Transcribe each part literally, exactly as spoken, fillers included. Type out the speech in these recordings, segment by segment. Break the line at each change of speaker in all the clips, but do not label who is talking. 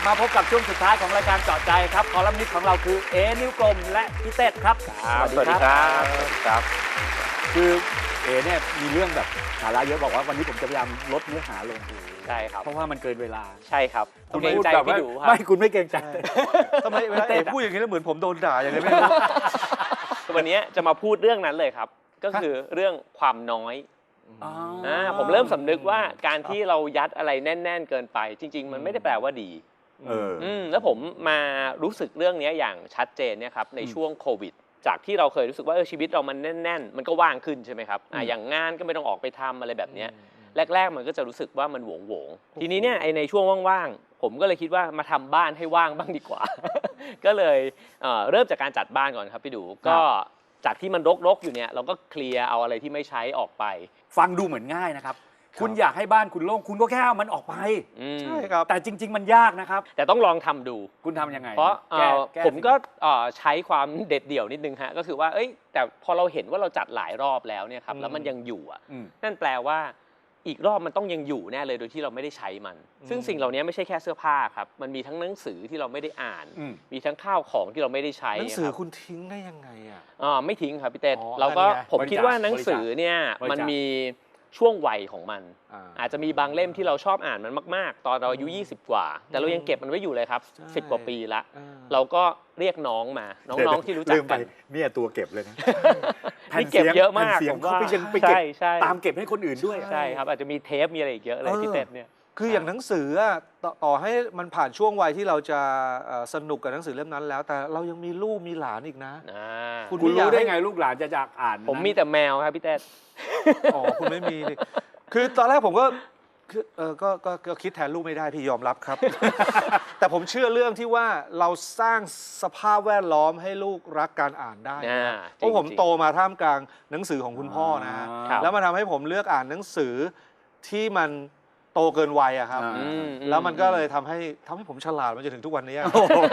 มาพบกับช่วงสุดท้ายของรายการเจาะใจครับคอลัมนิสต์ของเราคือเอนิ้วกลมและพี่เต้ครับ
สวัสดีครับสวัสดีครับ
คือเอเนี่ยมีเรื่องแบบสาระเยอะบอกว่าวันนี้ผมจะพยายามลดเนื้อหาลง
ใช่ครับ
เพราะว่ามันเกินเวลา
ใช่ครับคุณเกรงใจพี่ดูครับ
ไม่คุณไม่เกรงใจ
ทำไมเวลาเอพูดอย่างนี้แล้วเหมือนผมโดนด่าอย่างไรไม่รู้
วันนี้จะมาพูดเรื่องนั้นเลยครับก็คือเรื่องความน้อยอ่าผมเริ่มสำนึกว่าการที่เรายัดอะไรแน่นๆเกินไปจริงๆมันไม่ได้แปลว่าดี
เออ
อืมแล้วผมมารู้สึกเรื่องนี้อย่างชัดเจนเนี่ยครับในช่วงโควิดจากที่เราเคยรู้สึกว่าเออชีวิตเรามันแน่นๆมันก็ว่างขึ้นใช่ไหมครับอ่าอย่างงานก็ไม่ต้องออกไปทำอะไรแบบเนี้ยแรกๆมันก็จะรู้สึกว่ามันโหวงๆทีนี้เนี่ยไอในช่วงว่างๆผมก็เลยคิดว่ามาทำบ้านให้ว่างบ้างดีกว่า ก็เลยเอ่อเริ่มจากการจัดบ้านก่อนครับพี่ดูก็จากที่มันรกๆอยู่เนี่ยเราก็เคลียร์เอาอะไรที่ไม่ใช้ออกไป
ฟังดูเหมือนง่ายนะครับคุณอยากให้บ้านคุณโล่งคุณก็แค่เอามันออกไป
ใช่ครับ
แต่จริงๆมันยากนะครับ
แต่ต้องลองทำดู
คุณทำยังไง
เพราะผมก็ใช้ความเด็ดเดี่ยวนิดนึงฮะก็คือว่าเอ้ยแต่พอเราเห็นว่าเราจัดหลายรอบแล้วเนี่ยครับแล้วมันยังอยู่อ่ะนั่นแปลว่าอีกรอบมันต้องยังอยู่แน่เลยโดยที่เราไม่ได้ใช้มันซึ่งสิ่งเหล่านี้ไม่ใช่แค่เสื้อผ้าครับมันมีทั้งหนังสือที่เราไม่ได้อ่านมีทั้งข้าวของที่เราไม่ได้ใช้
หนังสือคุณทิ้งได้ยังไงอ่ะ
อ๋อไม่ทิ้งครับพี่เต้เราก็ผมคิดว่าหนังสือเนี่ยมันมีช่วงวัยของมันอาจจะมีบางเล่มที่เราชอบอ่านมันมากๆตอนเราอายุยี่สิบกว่าแต่เรายังเก็บมันไว้อยู่เลยครับสิบกว่าปีละเราก็เรียกน้องมาน้องๆที่รู้จักกัน
เนี่ยตัวเก็บเลยนะ
นี่เก็บเยอะมาก
ผมว่าไปเก็บตามเก็บให้คนอื่นด้วย
ใช่ครับอาจจะมีเทปมีอะไรอีกเยอะเลยพี่เต้เนี่ย
คืออย่างหนังสือต่อให้มันผ่านช่วงวัยที่เราจะสนุกกับหนังสือเล่มนั้นแล้วแต่เรายังมีลูกมีหลานอีกนะ
คุณรู้ได้ไงลูกหลานจะจากอ่าน
ผมมีแต่แมวครับพี่เต้
อ๋อคุณไม่มีคือตอนแรกผมก็คือเออก็ก็คิดแทนลูกไม่ได้พี่ยอมรับครับ แต่ผมเชื่อเรื่องที่ว่าเราสร้างสภาพแวดล้อมให้ลูกรักการอ่านได้เพราะผมโตมาท่ามกลางหนังสือของคุณพ่อนะฮะแล้วมันทำให้ผมเลือกอ่านหนังสือที่มันโตเกินวัยอะครับแล้วมันก็เลยทำให้ทำให้ผมฉลาดมาจนถึงทุกวันนี้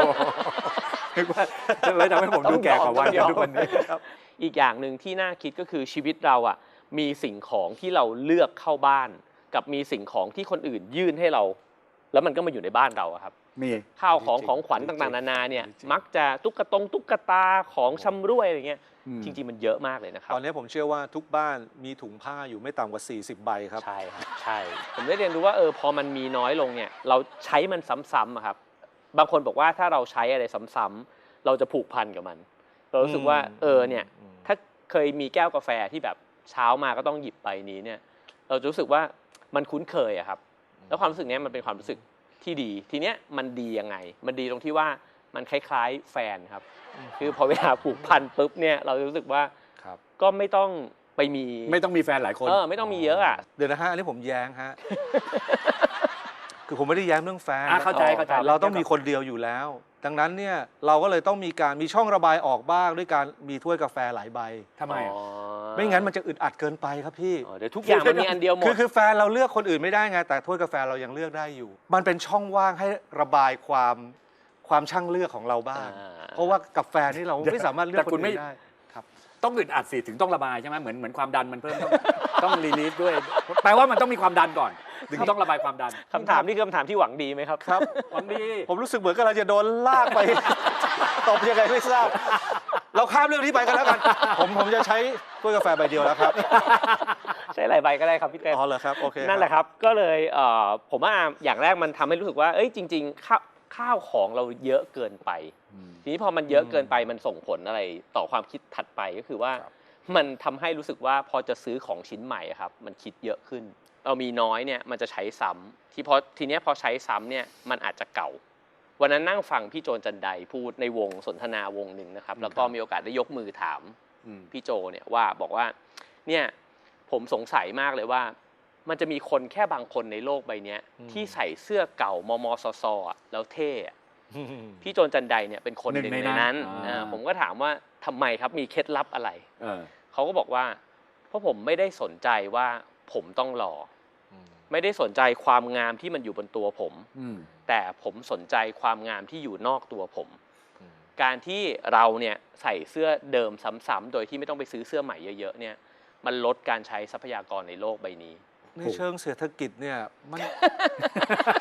เลยทำให้ผมดูแก่กว่าวัยทุกวันนี้
อีกอย่างหนึ่งที่น่าคิดก็คือชีวิตเราอ่ะมีสิ่งของที่เราเลือกเข้าบ้านกับมีสิ่งของที่คนอื่นยื่นให้เราแล้วมันก็มาอยู่ในบ้านเราครับ
มี
ข้าวของของขวัญต่างๆนานาเนี่ยมักจะตุ๊กตงตุ๊กตาของชำร่วยอะไรเงี้ยจริงๆมันเยอะมากเลยนะครับ
ตอนนี้ผมเชื่อว่าทุกบ้านมีถุงผ้าอยู่ไม่ต่ำกว่าสี่สิบใบครับ
ใช่ครับใช่ผมได้เรียนรู้ว่าเออพอมันมีน้อยลงเนี่ยเราใช้มันซ้ำๆครับบางคนบอกว่าถ้าเราใช้อะไรซ้ำๆเราจะผูกพันกับมันเรารู้สึกว่าเออเนี่ยถ้าเคยมีแก้วกาแฟที่แบบเช้ามาก็ต้องหยิบไปนี้เนี่ยเราจะรู้สึกว่ามันคุ้นเคยอะครับแล้วความรู้สึกนี้มันเป็นความรู้สึกที่ดีทีเนี้ยมันดียังไงมันดีตรงที่ว่ามันคล้ายๆแฟนครับคือพอเวลาผูกพันปุ๊บเนี่ยเราจะรู้สึกว่าก็ไม่ต้องไปมี
ไม่ต้องมีแฟนหลายคน
เออไม่ต้องมีเยอะอ่ะ
เดี๋ยวนะฮะอันนี้ผมแย้งฮะคือผมไม่ได้แย้งเรื่องแฟน
เข้าใจเข้าใจ
เราต้องมีคนเดียวอยู่แล้วดังนั้นเนี่ยเราก็เลยต้องมีการมีช่องระบายออกบ้างด้วยการมีถ้วยกาแฟหลายใบ
ทำไม
ไม่งั้นมันจะอึดอัดเกินไปครับพี่
เดี๋ยวทุกอย่างมันมีอันเดียวหมด
คือคือแฟนเราเลือกคนอื่นไม่ได้ไงแต่ถ้วยกาแฟเรายังเลือกได้อยู่มันเป็นช่องว่างให้ระบายความความช่างเลือกของเราบ้างเพราะว่ากับแฟนนี่เราไม่สามารถเลือกคนอื่นได้ครับ
ต้องอึดอัดสิถึงต้องระบายใช่ไหมเหมือนเหมือนความดันมันเพิ่มต้องต้องรีลีฟด้วยแปลว่ามันต้องมีความดันก่อนถึงต้องระบายความดัน
คำถามนี่คือคำถามที่หวังดีไหมครับ
ครับ
หวังดี
ผมรู้สึกเหมือนกับเราจะโดนลากไปตบยังไงไม่ทราบเราข้ามเรื่องนี้ไปกันแล้วกันผมผมจะใช้ถ้วยกาแฟใบเดียวแล้วครับ
ใช้หลายใบก็ได้ครับพี่เต้
อ๋อเหรอครับโอเค
นั่นแหละครับก็เลยผมว่าอย่างแรกมันทำให้รู้สึกว่าเอ้ยจริงๆข้าวข้าวของเราเยอะเกินไปทีนี้พอมันเยอะเกินไปมันส่งผลอะไรต่อความคิดถัดไปก็คือว่ามันทำให้รู้สึกว่าพอจะซื้อของชิ้นใหม่ครับมันคิดเยอะขึ้นเรามีน้อยเนี่ยมันจะใช้ซ้ำที่พอทีนี้พอใช้ซ้ำเนี่ยมันอาจจะเก่าวันนั้นนั่งฟังพี่โจนจันไดพูดในวงสนทนาวงหนึ่งนะครับแล้วก็มีโอกาสได้ยกมือถามพี่โจเนี่ยว่าบอกว่าเนี่ยผมสงสัยมากเลยว่ามันจะมีคนแค่บางคนในโลกใบนี้ที่ใส่เสื้อเก่ามมซซแล้วเท่พี่โจนจันไดเนี่ยเป็นคนหนึ่งในนั้นผมก็ถามว่าทำไมครับมีเคล็ดลับอะไรเขาก็บอกว่าเพราะผมไม่ได้สนใจว่าผมต้องหล่อไม่ได้สนใจความงามที่มันอยู่บนตัวผมแต่ผมสนใจความงามที่อยู่นอกตัวผมการที่เราเนี่ยใส่เสื้อเดิมซ้ำๆโดยที่ไม่ต้องไปซื้อเสื้อใหม่เยอะๆเนี่ยมันลดการใช้ทรัพยากรในโลกใบนี้
ในเชิงเศรษฐกิจเนี่ยมัน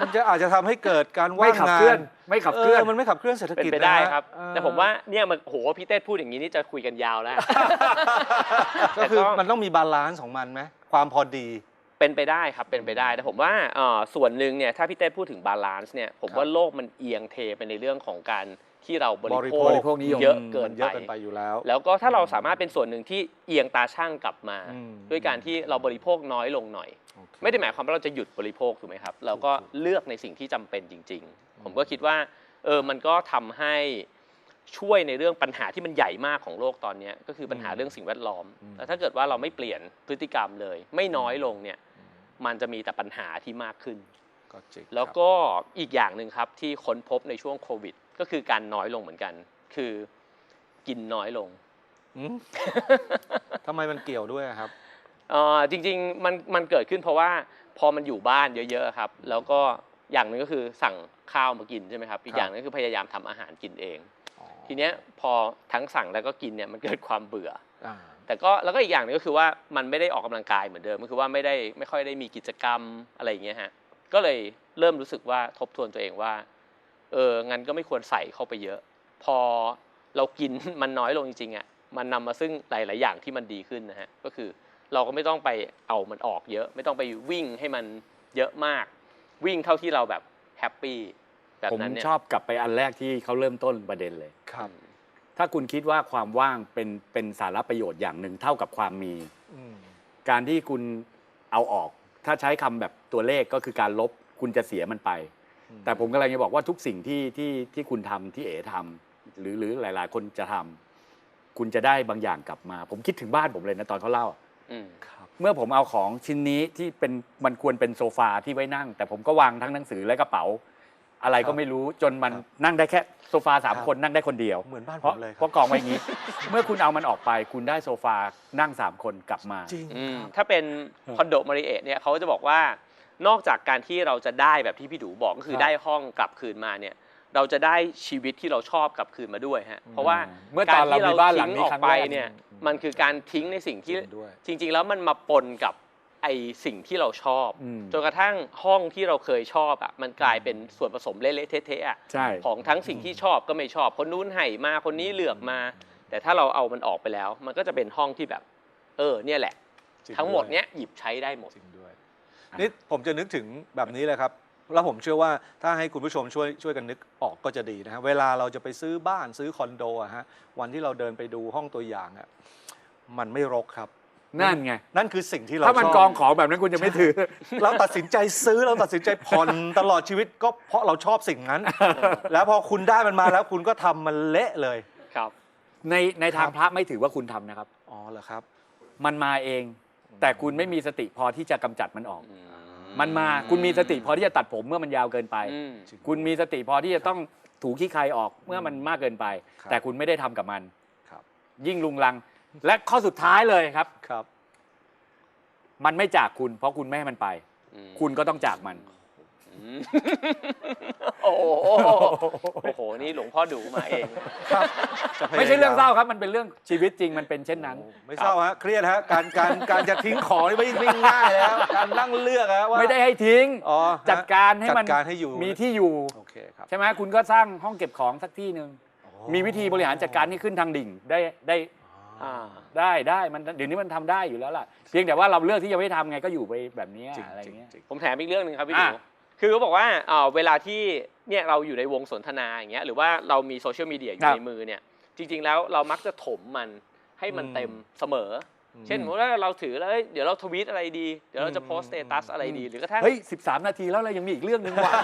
มันจะอาจจะทำให้เกิดการ
ไม่
ว่าง
ขับ
งา
เคลื่อน นไม่ขับเคลื่อน
มันไม่ขับเคลื่อนเศรษฐ
เป็น
กิจ
ไปได้
นะฮะ
ครับ
เออ
แต่ผมว่าเนี่ยมันโหพี่เต้พูดอย่างนี้นี่จะคุยกันยาวแล้ว
ก็คือ
แต่ต้อง
มันต้องมีบาลานซ์ของมันไหมความพอดี
เป็นไปได้ครับเป็นไปได้แต่ผมว่าเอ่อส่วนหนึ่งเนี่ยถ้าพี่เต้พูดถึงบาลานซ์เนี่ยผมว่าโลกมันเอียงเทไปในเรื่องของการที่เราบริโภ
บ
ค
ริโภคนิยม
เยอะเกิน
มัน
ไป
เยอะเกินไปอยู่แล้ว
แล้วก็ถ้าเราสามารถเป็นส่วนหนึ่งที่เอียงตาช่างกลับมา
อืม
ด้วยการที่เราบริโภคน้อยลงหน่อย
โอเค
ไม่ได้หมายความว่าเราจะหยุดบริโภคถูกไหมครับ เราก็เลือกในสิ่งที่จำเป็นจริง ๆ ผมก็คิดว่าเออมันก็ทำให้ช่วยในเรื่องปัญหาที่มันใหญ่มากของโลกตอนนี้ก็คือปัญหาเรื่องสิ่งแวดล้อมแต่ถ้าเกิดว่าเราไม่เปลี่ยนพฤติกรรมเลย ไม่น้อยลงเนี่ยมันจะมีแต่ปัญหาที่มากขึ้น
ก็จริง
แล้วก็อีกอย่างหนึ่งครับที่ค้นพบในช่วงโควิด ก็คือการน้อยลงเหมือนกัน คือกินน้อยลง
อืม ทำไมมันเกี่ยวด้วยอะครับ
เอ่อจริงๆมันมันเกิดขึ้นเพราะว่าพอมันอยู่บ้านเยอะๆครับแล้วก็อย่างหนึ่งก็คือสั่งข้าวมากินใช่ไหมครับอีกอย่างหนึงก็คือพยายามทำอาหารกินเอง
อ๋อ
ทีเนี้ยพอทั้งสั่งแล้วก็กินเนี่ยมันเกิดความเบื่อ
อ่า
แต่ก็แล้วก็อีกอย่างหนึงก็คือว่ามันไม่ได้ออกกำลังกายเหมือนเดิมก็คือว่าไม่ได้ไม่ค่อยได้มีกิจกรรมอะไรอย่างเงี้ยฮะก็เลยเริ่มรู้สึกว่าทบทวนตัวเองว่าเอองั้นก็ไม่ควรใส่เข้าไปเยอะ พอเรากิน มันน้อยลงจริงๆอ่ะมันนำมาซึ่งหลายๆอย่างที่มันดีขึ้นนะฮะก็คือเราก็ไม่ต้องไปเอามันออกเยอะ ไม่ต้องไปวิ่งให้มันเยอะมาก วิ่งเท่าที่เราแบบแฮปปี้แบบ
ผม
นั้นเนี่ย
ชอบกลับไปอันแรกที่เขาเริ่มต้นประเด็นเลย
ครับ
ถ้าคุณคิดว่าความว่างเป็นเป็นสาระประโยชน์อย่างหนึ่งเท่ากับความมี
อืม
การที่คุณเอาออก ถ้าใช้คำแบบตัวเลขก็คือการลบคุณจะเสียมันไป แต่ผมกำลังจะบอกว่าทุกสิ่งที่ที่ที่คุณทำที่เอ๋ทำหรือหรือหลาย ๆ คนจะทำคุณจะได้บางอย่างกลับมา ผมคิดถึงบ้านผมเลยนะตอนเขาเล่า
อืม
ครับ
เมื่อผมเอาของชิ้นนี้ที่เป็นมันควรเป็นโซฟาที่ไว้นั่ง แต่ผมก็วางทั้งหนังสือและกระเป๋า อะไรก็ไม่รู้จนมันนั่งได้แค่โซฟาสามคนนั่งได้คนเดียว
เหมือนบ้าน
เพ
ผ
ราะ
มเลยค
เพ
รับ
ราะกองไว้อย่างนี้ เมื่อคุณเอามันออกไป คุณได้โซฟานั่งสามคนกลับมา
จริง
อืม
ครับ
ถ้าเป็นคอนโดมาริเอะเนี่ยเขาจะบอกว่านอกจากการที่เราจะได้แบบที่พี่ดูบอกก็คือ
ครับ
ได้ห้องกลับคืนมาเนี่ยเราจะได้ชีวิตที่เราชอบกลับคืนมาด้วยฮะเพราะว่า
เมื่อตอนเรามีบ้านหลังนี้
ออ
ครั้
ก
ง
ไป
แรก
เนี่ยมันคือการทิ้งในสิ่งที่
จริงด้วย
จริง ๆ แล้วมันมาปนกับไอสิ่งที่เราชอบ
อืม
จนกระทั่งห้องที่เราเคยชอบอ่ะมันกลายเป็นส่วนผสมเละๆเทะๆอ่ะ
ใช่
ของทั้งสิ่งที่ชอบก็ไม่ชอบคนนู้นให้มาคนนี้เลือกมา แต่ถ้าเราเอามันออกไปแล้ว มันก็จะเป็นห้องที่แบบ เออเนี่ยแหละ
จริง
ทั้งหมด
ด้วย
เนี้ยหยิบใช้ได้หมด
จริงด้วยนี่ผมจะนึกถึงแบบนี้เลยครับ แล้วผมเชื่อว่าถ้าให้คุณผู้ชมช่วยช่วยกันนึกออกก็จะดีนะฮะเวลาเราจะไปซื้อบ้านซื้อคอนโดอะฮะวันที่เราเดินไปดูห้องตัวอย่างอะมันไม่รกครับ
นั่นไง
นั่นคือสิ่งที่เรา
ถ้ามัน
ชอบ
กองของแบบนั้นคุณจะไม่ถือ
เราตัดสินใจซื้อเราตัดสินใจผ่อนตลอดชีวิตก็เพราะเราชอบสิ่งนั้น แล้วพอคุณได้มันมาแล้วคุณก็ทำมันเละเลย
ครับ
ในในทาง
ครับ
พระไม่ถือว่าคุณทำนะครับ
อ๋อเหรอครับ
มันมาเอง แต่คุณไม่มีสติพอที่จะกำจัดมันออก มันมาคุณมีสติพอที่จะตัดผมเมื่อมันยาวเกินไป
อืม
คุณมีสติพอที่จะต้องถูขี้ใครออกเมื่อมันมากเกินไป
ครับ
แต่คุณไม่ได้ทำกับมัน
ครับ
ยิ่งลุงลัง และข้อสุดท้ายเลยครับ
ครับ
มันไม่จากคุณ เพราะคุณไม่ให้มันไป
อืม
คุณก็ต้องจากมัน
อืมโอ้โหโอ้โหนี่หลวงพ่อดูมาเอง
ครับจะพยายาม
ไม่ใช่เรื่องเศร้าครับ มันเป็นเรื่องชีวิตจริงมันเป็นเช่นนั้น
ไม่เศร้าฮะเครียดฮะการการการจะทิ้งของนี่ไม่ไม่ง่ายแล้วการนั่งเลือกฮะว่า
ไม่ได้ให้ทิ้ง
อ๋อฮะ
จัดการให้มัน
จัดการให้อยู่
มีที่อยู่
โอเคครับ
ใช่ไหมคุณก็สร้างห้องเก็บของสักที่หนึ่งมีวิธีบริหารจัดการให้ขึ้นทางดิ่งได้ได้
อ่า
ได้ได้มันเดี๋ยวนี้มันทำได้อยู่แล้วล่ะเพียงแต่ว่าเราเลือกที่จะไม่ทำไงก็อยู่ไปแบบนี้
จริง
อะไร
จริง
เงี้ย
จริง
ผมแถมอีกเรื่องหนึ่งครับพี่ดู
อ่ะ
คือเขาบอกว่าเอ่อเวลาที่เนี่ยเราอยู่ในวงสนทนาอย่างเงี้ยหรือว่าเรามีโซเชียลมีเดียอยู่ในมือเนี่ยจริง ๆ แล้วเรามักจะถมมันให้มันเต็มเสมอ เช่นสมมติว่าเราถือแล้วเอ้ยเดี๋ยวเราทวีตอะไรดี เดี๋ยวเราจะโพสต์สเตตัสอะไรดีหรือกระทั่ง
เฮ้ยสิบสามนาทีแล้วเรายังมีอีกเรื่องหนึ่งว่ะ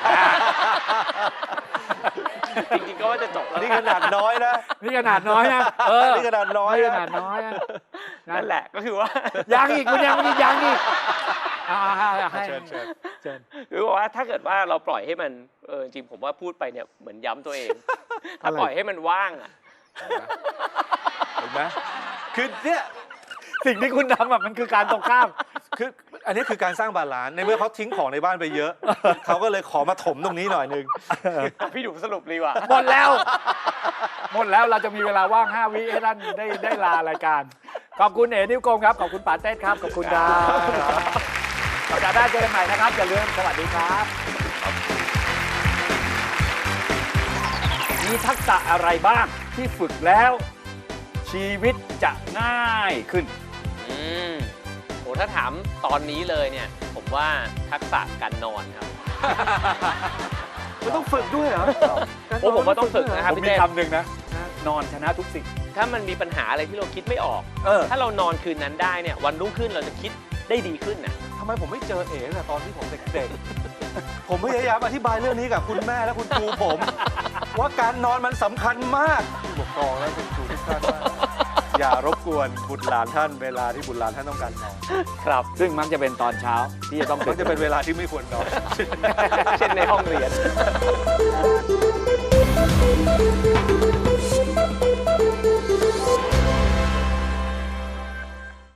จริงๆก็ว่าจะจบแล้ว
นี่ขนาดน้อยนะ
นี่ขนาดน้อยนะเออ
นี่ขนาดน้อย
นี่
นะ
ขนาดน้อยนะ
นั่นแหละก็คือว่า
ยังอีกคุณยังไม่ยังอีกอ่าให้
เชิญเชิญ
เชิญ
คือว่าถ้าเกิดว่าเราปล่อยให้มันเออจริงๆผมว่าพูดไปเนี่ยเหมือนย้ำตัวเอง ถ้า
อะไร
ปล่อยให้มันว่างอ่ะ
เห็นไหมคือเนี่ย
สิ่งที่คุณทำอะมันคือการตรงข้าม
คืออันนี้คือการสร้างบาลานซ์ในเมื่อเขาทิ้งของในบ้านไปเยอะ เขาก็เลยขอมาถมตรงนี้หน่อยนึง
พี่ดูสรุปดีกว่า
หมดแล้ว หมดแล้วเราจะมีเวลาว่างห้าวิให้ท่านได้ได้ลารายการ ขอบคุณเอ๋นิ้วโกงครับ ขอบคุณป๋าเต้ครับ ขอบคุณครับสัปดาห์หน้าเจอกันใหม่นะครับอย่าลืมสวัสดีครับมีทักษะอะไรบ้างที่ฝึกแล้ว ชีวิตจะง่ายขึ้น
อืมโหถ้าถามตอนนี้เลยเนี่ย ผมว่าทักษะการนอนครับ
มันต้องฝึกด้วยเหรอ
โอ้ผมว่าต้องฝึกนะครับ
ผม
พี่
มี
เต้
คำหนึ่งนะ นอนชนะทุกสิ่ง
ถ้ามันมีปัญหาอะไรที่เราคิดไม่ออก
เออ
ถ้าเรานอนคืนนั้นได้เนี่ยวันรุ่งขึ้นเราจะคิดได้ดีขึ้นน่ะ
ทำไมผมไม่เจอเอ๋ตั้งแต่ตอนที่ผมเด็กๆ ผมพยายามอธิบายเรื่องนี้กับคุณแม่และคุณครูผม ว่าการนอนมันสำคัญมากผู้ปกครองและคุณครูทุกท่านว่าอย่ารบกวนบุตรหลานท่านเวลาที่บุตรหลานท่านต้องการนอน
ครับ
ซึ่งมักจะเป็นตอนเช้าที่จะต้อง
มันจะเป็นเวลาที่ไม่ควรนอน
เช่นในห้องเรียน